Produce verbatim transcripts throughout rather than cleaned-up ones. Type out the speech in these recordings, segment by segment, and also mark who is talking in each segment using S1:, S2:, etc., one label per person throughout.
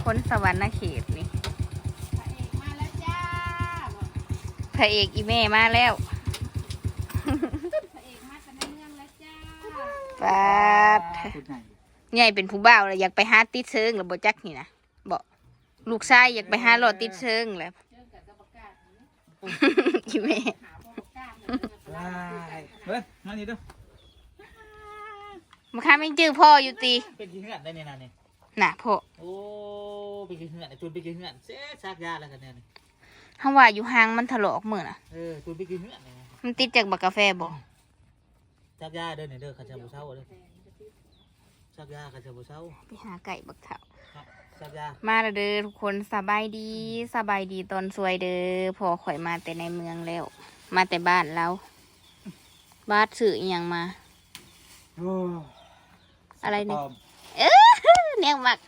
S1: คนสวรรค์เขตนี่มาแล้วจ้าพระเอกอีแม่มาแล้วพระเอกมาจากในเมืองแล้วจ้าปาดใหญ่เป็นผู้บ่าวเลยอยากไปหาติดเชิงหรือบ่จักนี่นะบอกลูกชายอยากไปหาหลอดติดเชิงแล้วอีแม่
S2: เฮ้ยมานี่ดู
S1: มาค้าไม่จื้อพ่ออยู่ตี
S2: เป็นกี่เหือนได้เนี่ยนะเนี่ย
S1: น่ะพ่อ
S2: โอ้เป็นกี่เหือนไอ้ตูนเป็นกี่เหือนเสียซากยาแล้วกันเนี่ย
S1: ถ้าว่าอยู่ห่างมันถลอกมือน่ะ
S2: เออตูนเป็นกี่เหือนเนี่ย
S1: มันติดจากบักกาแฟบ่
S2: ซากยาเด้อเนี่ยเด้อข้าเจ้าบุเช้าเด้อซากยาข้าเจ้าบุเช้า
S1: ไปหาไก่บักเถา
S2: ซากยา
S1: มาเด้อทุกคนสบายดีสบายดีตอนสวยเด้อพอข่อยมาแต่ในเมืองแล้วมาแต่บ้านเราบ้านสื่ออย่างมาอะไรเนี่ยเออเนี่ยมัก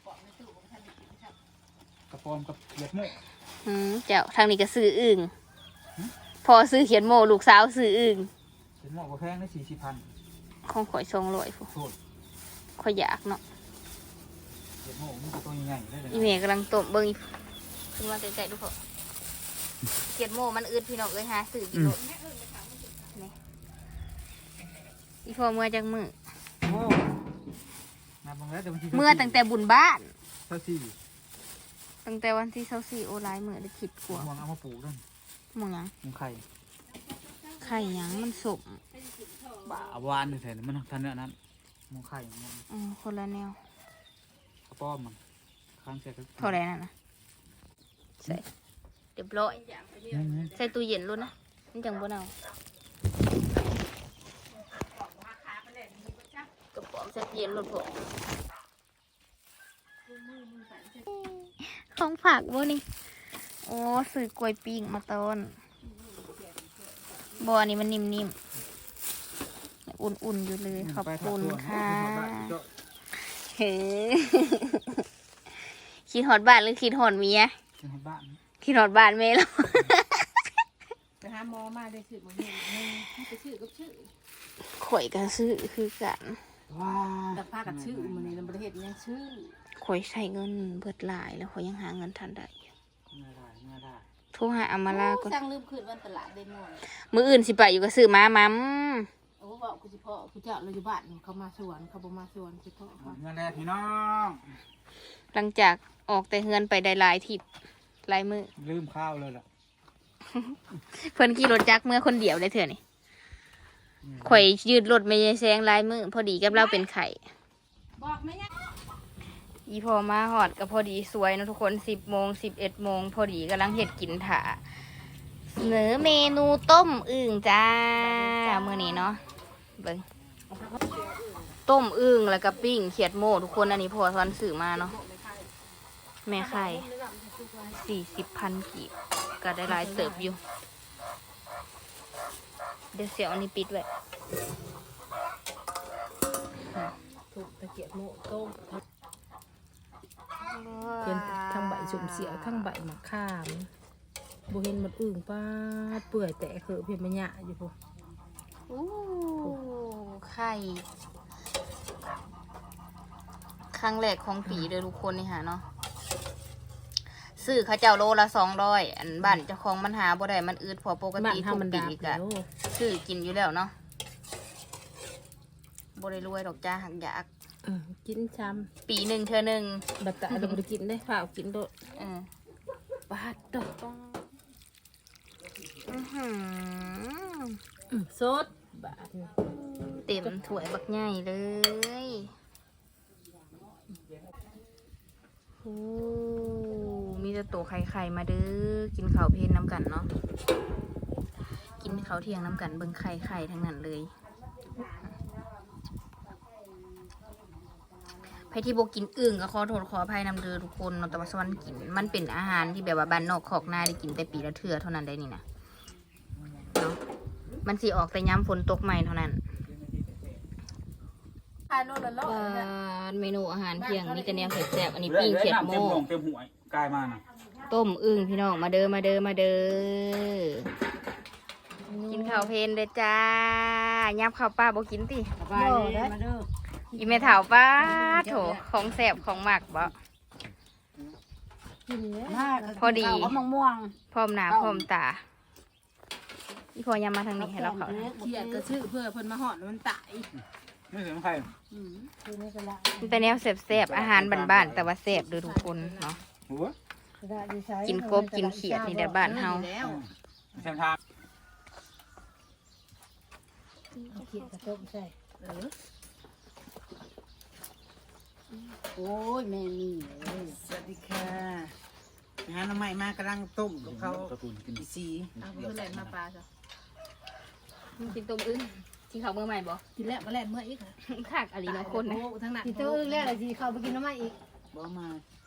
S2: กระปอมกับเขียดโม่
S1: อืมเจ้าทางนี้ก็ซื้ออึ่งพอซื้อเขียนโม่ลูกสาวซื้ออึ่ง
S2: เขียดโม่ก็แพงได้สี่สิบพัน
S1: ของข่อยทรงลอยฟูข่อยอยากเนาะ
S2: เขียดโม่มันก็ตัวใหญ่ได้เลย
S1: อีเมย์กำลังต้มเบิ้งขึ้นมาใจๆดูเถอะเขียดโม่มันอืดพี่น้องเลยฮะซื้อกิโลอีพอเมื่อจังมือเมื่อตั้งแต่บุญบ้าน
S2: เท่าสี่
S1: ตั้งแต่วันที่เท่าสี่โอไลน์เมื่อได้คิดกลัว
S2: มองเอามาปลูกด้วย
S1: มองยัง
S2: มองไข่
S1: ไข่ยังมันสม
S2: บ้าวานแถวนั้นมันทันเนื้อนั้นมองไข่มอง
S1: อืมคนละแนว
S2: กระป้อมมันข้างใส่ก็
S1: เท่าไรนั่นนะใส่เรียบร้อยใส่ตู้เย็นรุ่นนะนี่จังบ่เอากระป๋องใส่เย็นรุ่นผมของผักบ่นี่โอ้ซื้อกล้วยปิ้งมาต้นบ่อนี่มันนิ่มๆอุ่นๆอยู่เลยขอบคุณค่ะเฮ้คิดหอดบ้านหรือคิดหอดเมีย
S2: คิดหอดบ้าน
S1: คิดหอดบ้านเมย์แล้ว
S3: ไปหาหมอมาได้ชื่อมันนี่ไปชื่อก็ชื่อ
S1: ข่อยก็ซื้อคือกัน
S2: ว้า
S3: แต่พากับชื่อมันในประเทศยังชื่อ
S1: ข่อยใช้เงินเบิดหลายแล้วข่อยยังหาเงินทันได้
S2: เงินได้เงินได้
S1: โทรหาอามาลาก็
S3: สั่งลืมคืนวันตลาดได้หน่อย
S1: มื้ออื่นสิไปอยู่ก็ซื้อมามัม
S3: โอ้บอกกูสิพ่อกูเจ้าเราอยู่บ้านเขามาสวนเขาบ่มาสวนสิพ่อ
S2: เงินได้พี่น้อง
S1: หลังจากออกแต่เฮือนไปได้หลายทิศหลายมื้อ
S2: ลืมข้าวเลยล่ะ
S1: เพิ่นขี่รถจักรเมื่อคนเดียวได้เถอะนี่ข่อยยืดรถไม่ยายแซงหลายมื้อพอดีกับเราเป็นไข่
S3: บอกไหมเนี่ย
S1: อีพอมาหอดก็พอดีสวยนะทุกคนสิบโมงสิบเอ็ดโมงพอดีกำลังเห็ดกินถ่าเสนอเมนูต้มอึ่งจ้ามื้อนี้เนาะเบิ่งต้มอึ่งแล้วก็ปิ้งเขียดโม่ทุกคนอันนี้พอทอนสื่อมาเนาะแม่ไข่สี่สิบพันกีบก็ได้หลายเติบอยู่เดี๋ยวเสียวอันนี้ปิดไว้
S3: ถูกตะเกียบโม่ต้มเป็นทั้งใบสุ่มเสียวทั้งใบมะขามโบเห็นมันอึ่งป้าเปื่อยแต่เขือเพียงมันหยาอยู่พวก
S1: อู้ไข่ครั้งแรกของปีเลยทุกคนนี่ฮะเนาะซื้อข้าเจ้าโลละสองร้อยอันบ้านเจ้าของมันหาบ่ได้มันอืดพอปกติทุกปีกะซื้อกินอยู่แล้วเนาะบ่ได้รวยดอกจ้าหักอยาก
S3: กินช้ำ
S1: ปีหนึ่งเธอหนึ่ง
S3: บัตรเราไปกินได้ฝ่ากินโดดบาดดอกสดบาด
S1: เต็มถ้วยบักใหญ่เลยโอ้มีแต่โตไข่ไข่มาเด้อกินข้าวเพลนน้ำกันเนาะกินข้าวเที่ยงน้ำกันเบิ่งไข่ไข่ทั้งนั้นเลยใครที่โบกินอึ่งก็ขอโทษขออภัยนำเด้อทุกคนนนทวัฒน์กินมันเป็นอาหารที่แบบว่าบ้านนอกขอกนาได้กินแต่ปีละเทื่อเท่านั้นได้นี่นะเนาะมันสีออกแต่ย้ำฝนตกใหม่เท่านั้นเมนูอาหารเที่ยงมีแต่แนวเผ็ดแซ่บอันนี้ปิ้งเขียดโม่
S2: เต็มหัวกลายมา
S1: ต้มอึ่งพี่น้องมาเด้อมาเด้อมาเด้อกินข้าวเพลนเด้อจ้ายับข้าวป้าโบกินติ
S3: มาเด้อ
S1: อีเมถาวป้าโถของแสบของหมักบ่
S3: กินแล้ว
S4: มา
S1: พอดี
S4: ข้าวกับมะม่วง
S1: พร้อมหน้าพร้อมตาอีพอยามมาทางนี้ให้เราเขา
S3: เขียดกระชื่อเพื่อเพิ่นมาหอดมันตาย
S2: ไม่ถึงใคร
S4: อืมคือนี่ก็ละ
S1: มันเป็นแนวแซ่บๆอาหารบ้านๆแต่ว่าแซ่บเด้อทุกคนเนาะ
S2: หัว
S4: ได้ดีใช้
S1: กินกบกินเขียดนี่แหละบ้านเฮา
S3: แล้ว
S2: แซมทาง
S4: เอาเขียดกระต้มใส่
S3: เออ
S4: โอ้ยแม่นี่เลย
S5: สวัสดีค่ะหาหน้ำใหม่มากำลังต้มกับเขา
S2: ตระกูลกิน
S5: อีซี
S3: เอาเพื่อนแล่นมาปลาจ้ะ
S1: กินต้มอึ้งกินข้าวมื้อใหม่บ่
S3: กินแล้วก็แล่นเมื่ออีก
S1: คักอะไรเนาะคนนะ
S3: โอ้ทั้งนั้น
S4: กินตัวอื่นแล้วอะไรสิเข้าไปกินน้ำมันอีก
S5: บ่มา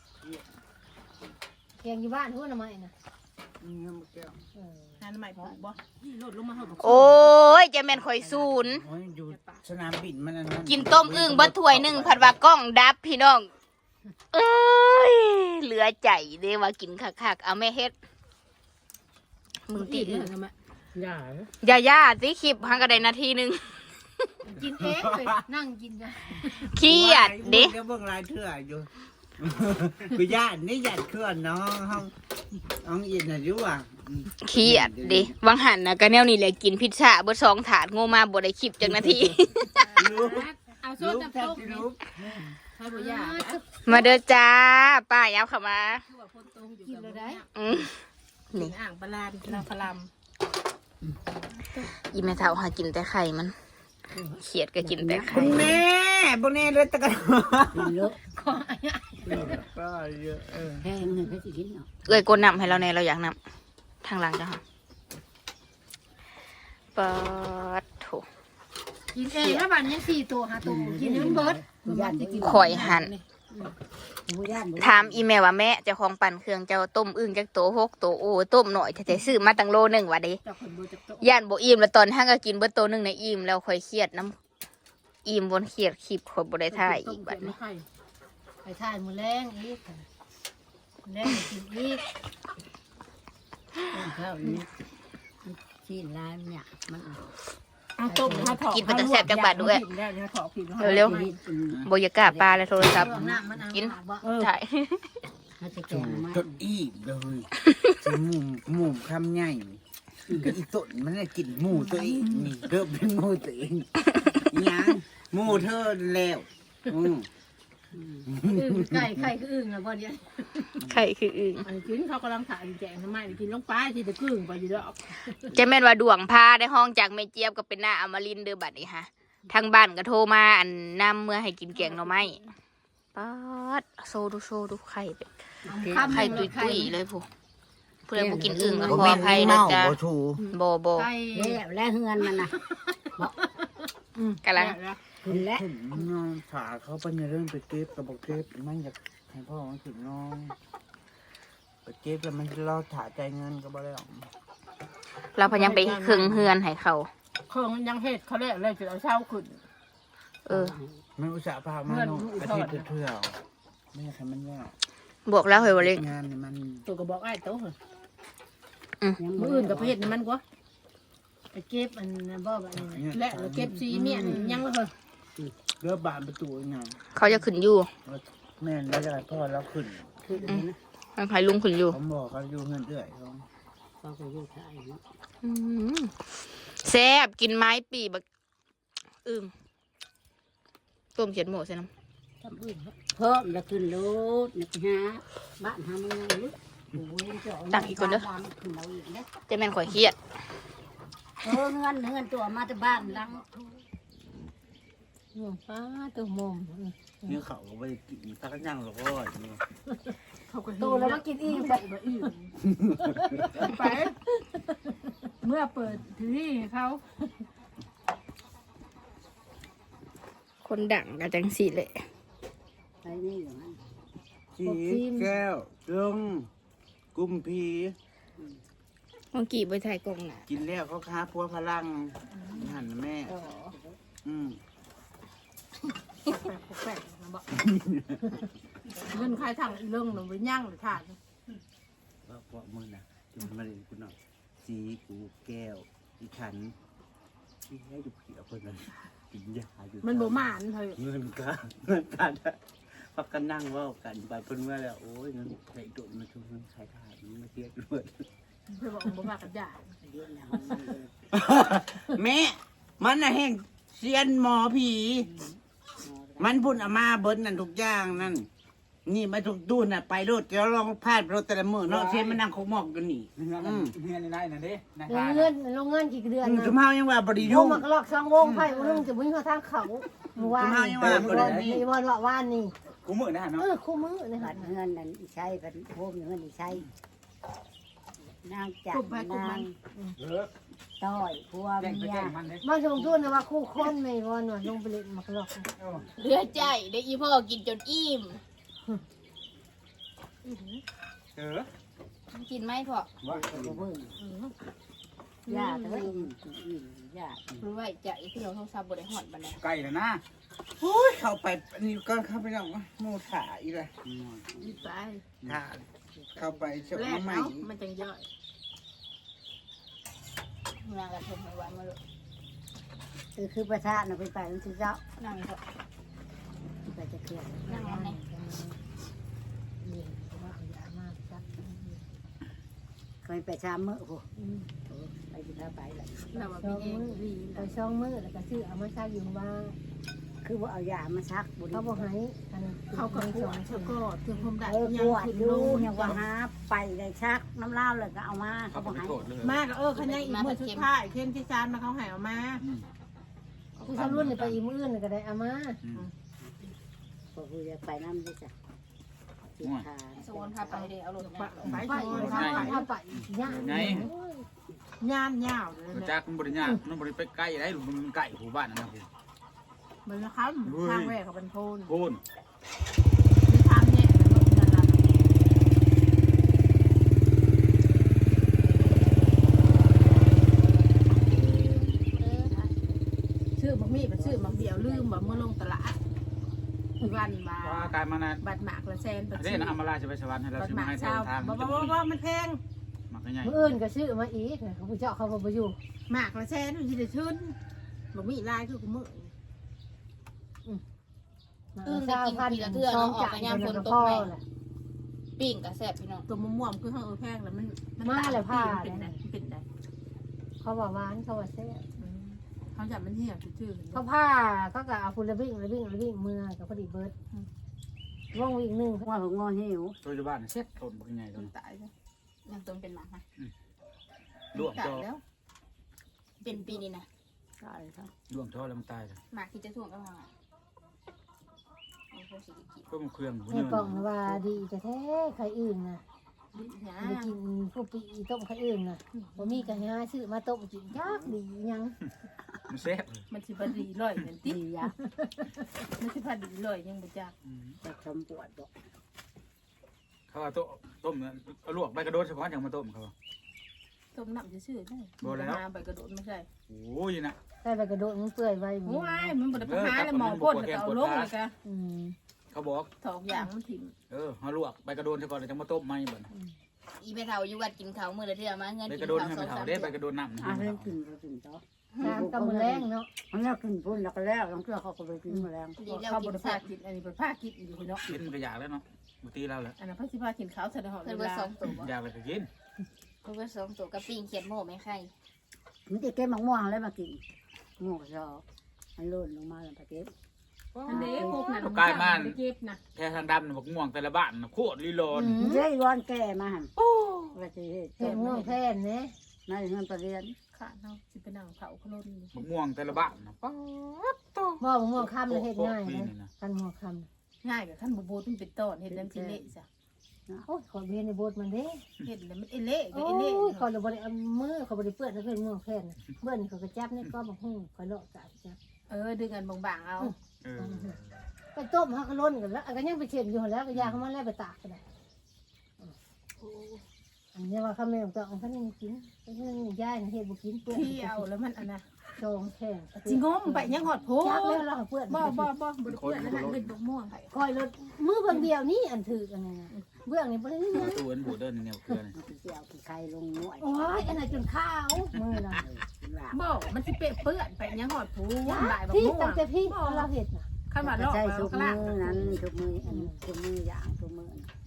S4: เกียงอยู่บ้านทั่วน้ำมันน่ะ
S5: เงี้ยมาแก้ว
S4: เออ
S3: ทานใหม่ปลูกบ่นี่โลดลงมาเฮาบ่
S1: โอ้ยจะแม่นข่อยศูนย์
S5: โอ้ยอยู่สนามบินมันอันนั้น
S1: กินต้มอึ่งเบัดถ้วยหนึ่งผัดว่ากล้องดับพี่น้อง เอ้ยเหลือใจเด้ว่ากินคักๆเอาแม่เฮ็ดมึงตี
S3: อีก
S1: อึ่ง
S3: ทำไม
S4: อย่า
S1: อย่าย่าสิคลิปหังกระไดนาทีหนึง
S4: กินเองเลยนั่งกินกัน
S1: เครียดเด้
S5: เดี๋ยวเบิ่งรายเถื่ออยู่ กูญาตินี่ญาติเคลื่อนน้องห้องน้องอินน่ะอยู่อ่ะอืม
S1: เครียดเด้วังหันนะก็แนวนี้แหละกินพิซซ่าเบิดสองถาดโง่มาบ่ได้คลิปจังนาที
S5: ลูก
S3: เอาโซ
S5: ลู
S3: ด
S5: ก
S3: น้ำ
S5: แทบ
S3: ตก
S5: ที่
S3: นี่
S5: ลูก
S3: ให้บ่ยาก
S1: มาเด้อจ้าป้ายับเข้ามา
S3: คือว่าคนโตอยู่
S4: กิน
S3: กับ
S4: เล
S3: บ่
S4: ย
S3: ได้
S4: ได้
S1: อืม
S3: นี่อ่างปลาลามนางพลาม
S1: อีแม่เฒ่าหากินแต่ไข่มันเครียดก็กินแต่ไข่
S5: บุญแน่บุญแน่เลยตะกัน
S4: เยอะ
S5: ก็เยอะเออ
S4: แพงเงินก็สิกินเนาะ
S1: เอ้ยกดน้ำให้เราแน่เราอยากน้ำทางหลังจ้ะค่ะเปิดโถ
S4: กินเองแล้วบ้านยังสี่ตัวห้าตัวกินให้มันเบิดญาติกิน
S1: ข่อยหัน
S4: บ่ญาติบ่
S1: ถามอีเมลว่าแม่เจ้าของปั่นเครื่องเจ้าต้มอึ่งจักโตหกโตโอ้ต้มหน่อยแต่ซื้อมาตั้งโลหนึ่งว่ะเด้
S4: เจ้าคนบ่จักโต
S1: ย่านบ่อิ่มแล้วตอนห้างก็กินเบิดโตหนึ่งในอิ่มแล้วค่อยเครียดน้ำอิ่มบนเครียดคลิปข่อยบ่ได้ถ่ายอีกบัดนี้
S4: ไปถ่ายมื้อแรงอีกแรงกินอีกข้าวนี่ที่ร้านเนี่ยมัน
S3: เอาต้มนะคะถอด
S1: กินไปแต่แซ่บจักบาทด้วย
S3: ได้เดี๋ยวถอดผิด
S1: เร็ว
S4: ๆ
S1: ๆบ่อยากกล้าปลาเลยโทรศัพท์
S4: น้ำมันเอา
S1: กิน
S4: บ่
S1: ถ่าย
S4: มันจะแก
S5: จุ่
S4: ง
S5: ม
S4: มา
S5: จดอีกเลยจะหมูหมูคำใหญ่กับอีตุ่นมันน่ะกินหมูตัวเองนี่เริ่มเป็นหมูตัวเองยังหมูเธอแล้วอืม
S4: อึ่งไก่ไข่คืออึ่งอะบ่เนี่ย
S1: ไข่คืออึ่ง
S3: อันกินเขากำลังถ่ายแจงทำไมกินลงไปที่ตะกึ่งไปอยู่ดอก
S1: จะแม่นว่าดวงพาได้ห้องจากแม่เจี๊ยบก็เป็นหน้าอมรินทร์เด้อบัดนี้ฮะทางบ้านก็โทรมาอันนำเมื่อให้กินแกงหน่อไม้ป๊าดโซดูโซดูไข่เป็ดไข่ตุยตุยๆเลยผู้ผู้ใดบ่กินอึ่งก็ขออภัยนะจ๊ะ
S5: บ่ถูก
S1: บ่บ่
S4: ไก่แล้วและเฮือนมันน่ะ
S1: กำลัง
S4: ขึ้นแล้ว
S5: ผมน้องฝาเขาไปในเรื่องไปเก็บกับบอกเก็บมันอยากให้พ่อมันถึงน้องไปเก็บแล้วมันจะรอถ่าใจเงินก็บ่ได้หรอก
S1: เราพยายามไปเครื่องเฮือนให้เขา
S3: เครื่องยังเฮ็ดเขาแล้วเลยจะเอาเช้าขึ้น
S1: เออ
S5: มันอุตส่าห์พามาเนาะอาทิตย์เที่ยวไม่อยากให้มันยาก
S1: บอกแล้วเฮ้ยว่าเล็ก
S5: งานนี่มัน
S3: ตัวก็บอกไอ้โต๊ะเหรอ
S1: อืม
S3: มืออื่นกับเพชรนี่มันกว่า
S4: ไปเก็บอันนั้นบ่แบบนี้
S3: และเราเก็บซีเมียนยังเลย
S5: เรือบานประตูงาน
S1: เขาจะขึ้นอยู่
S5: แม่นแล้วจะให้พ่อเราขึ้น
S4: ขึ้นนะ
S1: มันให้ลุงขึ้นอยู่
S5: เขาบอกเขาอยู่เงินเดือยเขา
S4: ก็ก็อยู่ถ่าย
S1: อืมแซ่บกินไม้ปีบักอึ่งต้มเขียดหมูใส่น้
S4: ทำอื่นเพิ่มแล้วขึ้นรถนี่ฮะบ้านทำยังไงลูกโอ้ยเจ้าขึ้นเราอีกนะ
S1: ำจะแม่นข่อยเครียด
S4: เออเงินเงินตัวมาแต่บ้านหลัง
S3: หมูป้าตัวมม
S5: นี่เขาก็ไปกินตะกันย่างหรอกว่านี่
S3: เขาก็
S4: โตแล้วมากินอีกไป
S3: ไป เมื่อเปิดทีวีให้เขา
S1: คนดังกันจังสิเลย
S4: ไปนี่อยู่นั่น
S5: ชีแก้วลงกุมพี
S1: เมื่อกี้ไปถ่ายกล้องน่ะ
S5: กินแล้วเขาค้าพัวพลังหันแม่ อืม
S3: แปลกๆนะบอกเงินใครถังอีเรื่องหนูไปย่างหรือถ่าน
S5: ว่าพวกมึงนะจุนมาเรียนกูหน่อยสีกูแก้วอีขันที่ให้ดูเผียคนนั้นกินยาอยู่
S3: มันบ่หมานเฮ้ย
S5: เงินกาเงินกาพักกันนั่งเว่ากันไปเพิ่นว่าแล้วโอ้ยมันใส่ตุ่นมาชุมใส่ถ่ายมันมาเทียบด้วย
S3: เพื่อบอกบ่มากับยา
S4: เรียนแล้วมันเลย
S5: แม่มันน่ะแห่งเซียนหมอผี มันพุ่นเอามาเบิ้นนั่นทุกอย่างนั่นนี่มาทุกตู้น่ะไปรถเดี๋ยวลองพาดรถแต่ละมื้อเนาะเซียนมันนั่งคงมอกกันนี่
S2: เงินมันเงินในไหนน่ะเด้นะ
S4: เงินโรงงานกี่เดือน
S5: อืม
S4: นะ
S5: จุมเฮายังว่าบ่ได้
S4: ว
S5: ยุ่
S4: ง
S5: ง
S4: มันก็ลอกสองวงไผ่วงนึงจะวิ่งเข้าทางเขาเมื่อวานนี่วันว่าว่านนี่
S2: กูมื้อนะ
S4: เอ
S2: เนาะ
S4: อคู่มือนี่
S6: บั
S4: ค่ะ
S6: ดเงินนั่นอีใช้บัดโฮมเงินอีใช้นางจับนาง
S2: เออ
S6: ต้อยพว
S2: แจ้งไป
S6: เมีย
S2: แจ้งมันเด้
S4: มาชมทุนนะว่าคู่คนไม่วอนว่าลงไปเล่นมักลอก
S1: เหลือใจได้อีพ่อกินจนอิ่ม
S2: เออ
S1: กินไหมพ่อ
S2: ว่า
S6: บ่เบิ่งยาเอ้ยอิ่มยา
S1: รู้ไว้ใจที่เราโทรศัพท์บ่ได้ฮอดบัดนี้
S2: ไก่แล้วนะ
S5: โอ้ยเข้าไปอันนี้ก็เข้าไปแล้วหมู่ถ่าอีกละ
S3: อีไป
S5: ถ่าเข้าไปเช้า
S3: แรก
S5: ใหม่
S3: เนาะมันจังย่อย
S1: นางกระทงไม่ไหวมาเลย
S6: คือคือประธานน่ะไปไปมันสิเจ้า
S1: นั่งเถอะ
S6: ไปจะเคลียร์
S1: นั่งอันไหน
S6: เคยไปชามมื้อโหไปสิพาไปล่ะ
S3: เราว่า
S4: ช่
S3: มี
S4: อง
S3: เอง
S4: มือ
S3: ดี
S4: ไปช่องมือแล้วก็ซื้อเอามาซักอยู่ว่า
S6: คือบ่เอายามาซักบ่
S4: เขาบอกให้อัน
S3: เขาก็กวดเขาก็เตรียมความได้
S6: เออ
S3: ยั
S6: ก
S3: ง
S6: วด
S3: ขึ้น
S6: อยู่
S3: ลง
S6: ยังว่าหาไปได้ซักน้ำลาวเลยก็เอามา
S2: เขา
S6: เขา
S2: บ่
S6: บ่ให้
S2: โทษเลย
S3: มากเออขยันอีกมือสุดท้ายเข้มที่ซานมาเขาหายออกมา
S4: คือทำรุ่นไปอีมืออื่นก็ได้เอามา
S6: บ่ฮู้จะไปนำได้จ้ะสิทาน
S1: โซนพาไปเดี๋ยวเอารถ
S3: ไป
S1: มา
S3: ไป
S4: ไป
S3: โชว์
S4: ถ้าถ้าไปยาก
S2: ไง
S3: ย่านยาวเลย
S2: จักมันบ่ได้ยากมันบ่ได้ไปใกล้ได้มันใกล้ผู้บ้านนั่นนะพี่
S3: มันนะครับทางแรกเขาเป็นโพน
S2: โพน
S3: มีทางแยกแล้วก็นั่นล่ะชื่อบักมี่เป็นชื่อบักเดียวลืมบ่เมื่อลงตลาดวันมา
S2: ว่ากายมานะ
S3: บัตรหมากละแสนบัตร
S2: เด้นะอำมาลาจะไปสวรรค์ให้เรา
S3: บัต
S2: สิ
S3: รห
S2: มา
S3: มา
S2: ให้
S3: ก
S2: เท
S3: เช้าว
S2: ทาง
S3: บ่บ่บ่บ่มันแพง
S2: มักใหญ่
S4: มืออื่นก็ซื้อมาอีกเขาผู้เจ้าเขาบ่อยู่
S3: หมากละแสนมันจะได้ชื่นบักมี่ลายคือกูมือ
S1: อึ้งได้กินปีละเทื่อเนาะออกไปยามฝนตกแม่ปิ้งกับแซ่บพี่น้อง
S3: ตัวม่วงๆคือเขาเออแพงแล้วมันเป็นได้เป็นได้
S4: เขาว่าหวานเขาว่าแซ่บ
S3: เขาจับมันเหี้ยชื่อ
S4: เขาผ้าเขาก็เอาฝุ่นระบิ่งระบิ่งระบิ่งมือกับพอดีเบิร์ดว่องอีกหนึ่ง
S6: ว่าผมงอหิว
S2: ตัวอยู่บ้านเซ็ตต้นบักใหญ่
S3: จ
S2: ต้น
S3: นตายเลย
S1: ยังต้นเป็นหมาค่ะ
S2: ลวก
S3: ตา
S2: จ
S3: ย
S2: อ
S3: แล้ว
S1: เป็นปีนี้นะ
S6: ตายครับ
S2: ลวกจอแล้วมันตายเลย
S1: หมากที่จะถ่วงก็พังอ่ะเอาพวกสีกิน
S2: ก็มันเครื่องบ่
S4: ใน
S2: เนื้
S4: ปองว่าดีแต่แท้ใครอื่นนะ
S3: ดิหยา
S4: ไปกินพวกปีต้มใครอื่นนะบ่มีกันหาซื้อมาต้มกินยากดียัง
S2: มันแซ่บ
S3: มันสิบดีลอยนั่นติ
S6: ดียะ
S3: มันสิพอดีลอยยังบ่จัก
S6: จะชมปวดบอก
S2: เขาว่าต้มต้มเอาลวกใบกระโดดเฉพาะอย่างมาต้มเขา
S3: ต้มน้ำซื่อๆได้ใบกระโดดไม่ใช่
S2: โอ้ยนะ
S4: ใส่ใบกระโดดมันเปื่อยไว้
S3: โอ้ยมันบ่ได้ไปหาแล้วหมอพ่นแล้วเอาลงเลยกะ
S4: อืม
S2: เขาบอก
S3: ถอกอย่างมันถิ่ม
S2: เออเขาลวกใบกระโดดเฉพาะแล้วจะมาต้มไหมบ่น
S1: อีไปเท่าอยู่วัดกินเขาวมื้อละเทื่อมาเงิน
S2: ใบ
S1: กิน
S2: กระโดด
S1: เขาว
S2: ให้
S1: ส
S2: มั
S1: อน ง
S2: เผา
S1: สาม
S2: ได้
S1: เทื่
S2: ใบ
S1: อก
S2: ระโดดน้ำ
S6: อ่ะเรื่องกินก็กินต่อ
S4: น้ำกำมือแรงเนาะ
S6: มันแล้วกินพุ่นแล้วก็แล้วต้องเชื่อเขาก็ไปกินมาแล้ว
S1: ดีแล้ว
S3: เขา
S1: กิ
S3: บ่
S1: น
S3: ได้
S1: แซ่
S3: พา
S1: บ
S3: กินอันนี้บ่พากินอยู่เนาะ
S2: กินมันก็อยากแล้วเนาะบางทีเราแหละ
S3: อันนั้นเพิ่นสิพากินข้าวใส่ในหอ
S1: เพิ่น
S3: เว
S1: เบิด
S3: ลา
S1: สองตัวบ่
S2: อยากไปก็กิน
S1: เพิ่นเบิดสองตัวกับปิ้งเขียดโม่ไม่ไข่
S6: มันจะเก็บมะม่วงแล้วมากินม่วงชอมันหล่นลงมาแล้วไปเก็บ
S3: อันนี้พวกนั้นเก็บนะ
S2: แค่ทางดำน่ะบอกง่วงแต่ละบ้านน่ะโคตรลีลอน
S6: มันได้ร้อนแก่มาหัน
S3: โอ้
S6: ว่าจะเฮ็ด
S4: เห็นง่วงแทนเนี่ย
S6: ในเงินประเรียน
S3: ขาดเนาะสิไปนั่งเผาขลุ่น
S2: บอกง่วงแต่ละบ้านน่ะป๊าดโต
S4: บ่บ่ง่วงคำเลยเฮ็ดง่ายนะกันง่วงค
S3: ง่ายกับขั้นบูบูมันเป็นต้นเห็ดน้ำสิเละจ้ะ
S4: ำโอ้ยขอเรียนในโบสถ์มันเด้
S3: เห็ดแล้วมันเอเละก็
S4: โอ้
S3: เอเละ
S4: ยขอเลยบริเอามือขอบริเปื้อนแล้วเพื่อนง่วงแค่นเบื่อนเขาก็จับนี่ก็บอกหุ่งขอเลาะกะจับ
S3: เออดึงกันบางๆเอา
S2: เออ
S4: ไปต้มฮักล้นกันแล้วก็ยังไปเช็ดอยู่แล้วก็ยาเขามาแล้วไปตากกันได้อันนี้ว่าเขาไม่ต้องต้องเขาไม่กินเขาไม่ย่ายนะเฮ็ดบุกินเปื้อน
S3: ที่เอาแล้วมันอันน่ะ
S4: จองแค่
S3: จิงมไปยังหอดโพ
S4: จับแล้วเราเปื้อน
S3: บ่บ่บ่บ่เพื่อนนั่นเป็นบกม่วง
S4: คอยรถมือเบิ่งเดียวนี่อันถือกันนะเบื้องนี่บ่ได้
S2: ป
S4: นะ
S2: ระตูอันบูเดินแนวเครือนี่
S6: มันจะเอาขี้ไข่ลงหน่วย
S4: โอ้ยอันนั้นจนข้าวมือนะ
S6: กินหลาบ
S3: บ่มันสิเปะเปื้อนไปยังหอดโพบ่ายบก
S4: พี่
S3: ม่ว
S4: ตั้
S3: ง
S4: งแต่พี่เราเห็ดนะ
S3: ขั้นบาด
S6: ก็
S3: ลอก
S6: ใช้
S3: แล้ว
S6: ทุก
S3: ก็
S6: มื
S3: ลา
S6: อก นั้นทุกมืออันทุกมืออย่างทุกมือ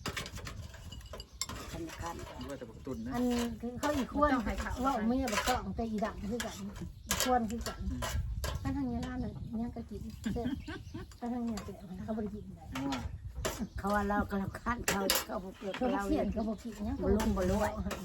S6: คันคัน
S2: ว่าแต่ปกตุนนะ
S7: อันคือเขาอีกควรว่าไม่อยากต้องแต่อีดังคือกันอีกควรคือกันถ้าทางนี้ร้านน่ะยังก็กินเสร็จถ้าทางนี้แต่เขาบริกินได้
S6: เขาว่าเรากำลังคันเขาเขาเกิด
S7: เขา
S6: เรา
S7: เขียนเขาบอกกินยัง
S6: บ่ลุ่มบ่รวย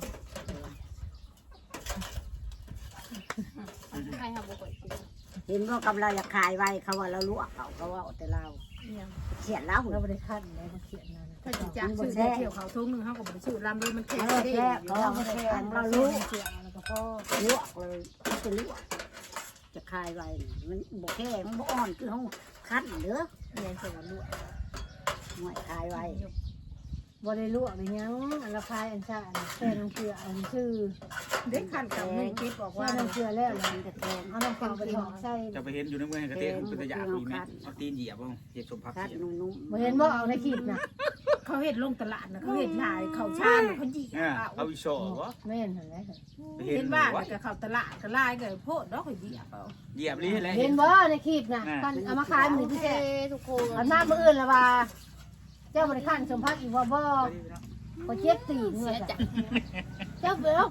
S1: ใครค่ะบ่ค่อยกิน
S6: เห็นว่ากำลังจะขายไว้เขาว่าเราลวกเขาเขาว่าแต่เราเขียนแล้ว
S7: เราบริคันเลยเขาเขียนนั่น
S3: ถ้าจีจ้าซื้อเที่ยวเขาทุ่งนึงเขาก็บริสุทธิ์ลำเลยมันแข็ง
S6: เออ
S3: ได้
S6: แค่เขา
S7: เรา
S6: ว่า
S7: บริ
S6: แค่
S7: คัน
S6: เรา
S7: เรา
S6: รู้
S7: รู้เสียงแล้วก็พ่อ
S6: ลวกเลยจะลวกจะขายไว้มันบ่แค่มันบ่อ่อนคือเขาคันเด้อ
S7: เรียนเสร็จแล้วลวก
S6: หน่วยขายไว้
S7: บริลวกอย่างยังอันละคายอันชาอันแค่น้ำเกลืออันชื่อ
S3: เด็กขันกับนึ่งกิ๊บบอก
S7: แค่
S3: ว่า
S7: น้ำเกลือแล้ว
S6: มันจะแพง
S7: เอาน้ำเปล่าไปถอดใส่
S2: จะไปเห็นอยู่ในเมืองกระเตงเป็นตะยาปีแม่เอาตีนเหยียบบ้างเหยียบสมพัก
S6: คัด
S2: เหยียบ
S6: นุ่ม
S7: บ่เห็นว่าเอาในคลิปนะ
S3: เขาเห็ดลงตลาดนะเขาเห็ดลายเขาชาญเขาจี
S2: เนี่ยเอาอีโซ่วะ
S7: แม่นเห็นไหม
S2: เห็
S3: เห็
S2: น
S3: น
S2: ว่า
S3: บ้านกับเขาตลาดก็ลายก็โพดดอกเขาเหยียบเอา
S2: เหยียบนี่แหละ
S7: เห็นว่าในคลิปนะกันเอามาขายมือ
S1: โอ
S7: ที่
S1: เค
S7: แท้
S1: ทุกคน
S7: อันหน้ามืออื่นละว่าเจ้าบริคันสมพักอีกว่าบ่พอเจ็บตีนเมื่อจ้ะเจ้าเบล